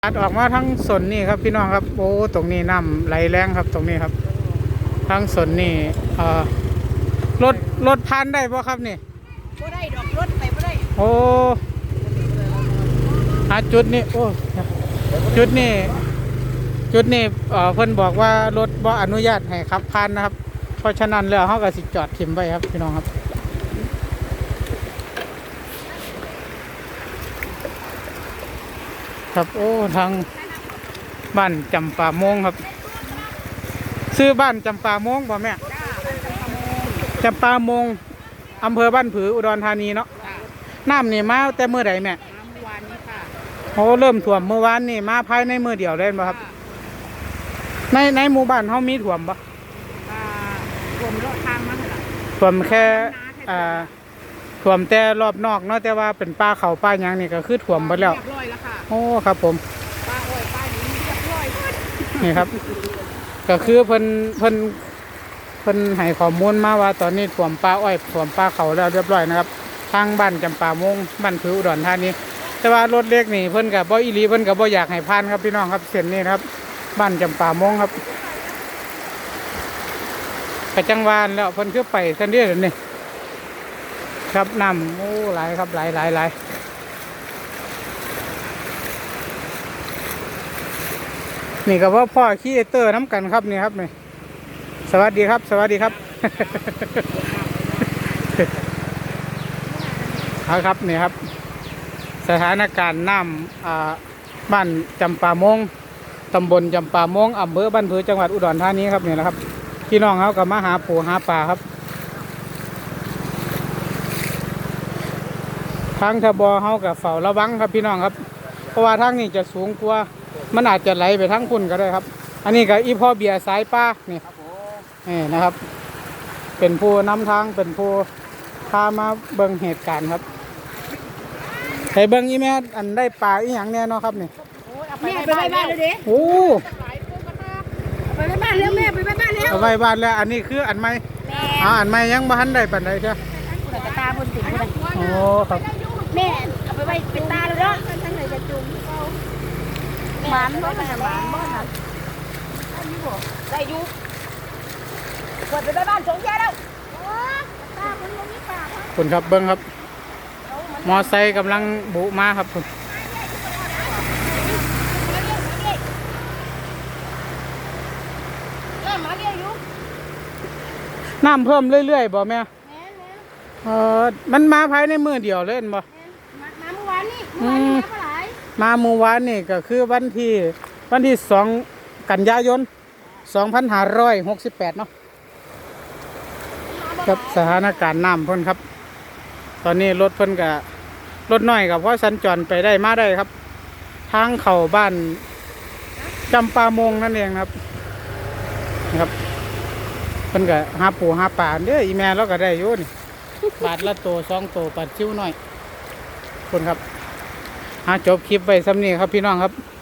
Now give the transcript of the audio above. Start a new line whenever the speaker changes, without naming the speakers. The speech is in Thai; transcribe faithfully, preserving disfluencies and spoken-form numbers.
ตัดออกมาทั้งสนนี่ครับพี่น้องครับโอ้ตรงนี้น้ำไหลแรงครับตรงนี้ครับทั้งสนนี่เอ่อรถรถพันได้ป่ะครับนี่
บ่ได้ดอกรถไปบ่ได้
โอ้หาจุดนี้โอ้จุดนี้จุดนี้เอ่อเพิ่นบอกว่ารถบ่อนุญาตให้ขับผ่านนะครับเพราะฉะนั้นแล้วเขาก็สิจอดทิมไว้ครับพี่น้องครับครับโอ้ทางบ้านจำปาโมงครับซื้อบ้านจำปาโมงบ่แม่จำปาโมงอำเภอบ้านผืออุดรธานีเนาะน้ำนี่มาแต่เมื่อใดแม่
เมื่อวานนี้ค่ะ
โอ้เริ่มท่วมเมื่อวานนี่มาภายในมือเดียวเลยบ่ครับในในหมู่บ้านเขามีท่วมบ่
ท่วมรถทางมาเท่าไหร่
ท่วมแค่อ่าท่วมแต่รอบนอกเนาะแต่ว่าเป็นป่าเขาป่าหยังนี่ก็คือท่วมหมดแล้ว
เรียบร้อยแล้วค่ะ
โอ้ครับผม
ป้าอ้อยป้านี้เรียบร้อย
นี่ครับก็คือเพิ่นเพิ่นเพิ่นให้ข้อมูลมาว่าตอนนี้ท่วมป่าอ้อยท่วมป่าเขาแล้วเรียบร้อยนะครับทางบ้านจำปาโมงบ้านผืออุดรธานีแต่ว่ารถเล็กนี่เพิ่นกับบ่อีหลีเพิ่นกับบ่อยากให้ผ่านครับพี่น้องครับเส้นนี้นะครับบ้านจำปาโมงครับไปจังหวานแล้วเพิ่นคือไปซั่นเด้อนี่ครับน้ำโอ้หลายครับหลายหลายหลายนี่ก็ว่าพ่อขี้เตอร์น้ำกันครับนี่ครับนี่สวัสดีครับสวัสดีครับเอาครับนี่ครับสถานการณ์น้ำบ้านจำปาโมงตำบลจำปาโมงอำเภอบ้านผือจังหวัดอุดรธานีครับนี่นะครับพี่น้องเขาก็มาหาปูหาปลาครับทางทบเขากับเฝ้าระวังครับพี่น้องครับเพราะว่าทางนี้จะสูงกว่ามันอาจจะไหลไปทั้งคุณก็ได้ครับอันนี้ก็อีพ่อเบียร์สายป้านี่นี่นะครับเป็นผู้นำทางเป็นผู้พามาเบิ่งเหตุการณ์ครับให้เบิ่งอีแม่อันได้ปลาอีหยังแน่เนาะครับนี่
แม่ไปไปบ้านเลยดิ
โอ้
ไปไปบ้านเร็วแม่ไปไปบ้านเร็ว
ไปบ้านแล้วอันนี้คืออันใหม่อ่าอันใหม่ยังบ่ทันได้ปานใดใช่
กระตาบนติ่งเลย
โอ้ครับ
แม่เอาไปไปเป็นตาเลยเนาะทั้งไหนจะจุ่มหมานบ่มันหมานบ่นะได้อยู่กดไปไปบ้านสงแย่แล้วตาคนบ่มีปาก
คุณครับเบิ้งครับมอไซค์กำลังบุมาครับคุณน้ำเพิ่มเรื่อยๆบ่แม่เออมันมาภายในมือเดียวเลยบ่
มาเมื่อวานนี่เมื่อวานนี่มาเท่าไหร่
มาเมื่อวานนี่ก็คือวันที่วันที่สองกันยายนสองพันห้าร้อยหกสิบแปดเนาะครับสถานการณ์น้ำเพิ่นครับตอนนี้รถเพิ่นกับรถน้อยกับเพราะสัญจรไปได้มาได้ครับทางเข้าบ้านจำปาโมงนั่นเองครับนะครับเพิ่นกับหาปูหาปลาเด้ออีแม่เราก็ได้อยู่นี่บาทละโตสองโตปัดชิ้วหน่อยคนครับหาจบคลิปไว้ซ้ำนี้ครับพี่น้องครับ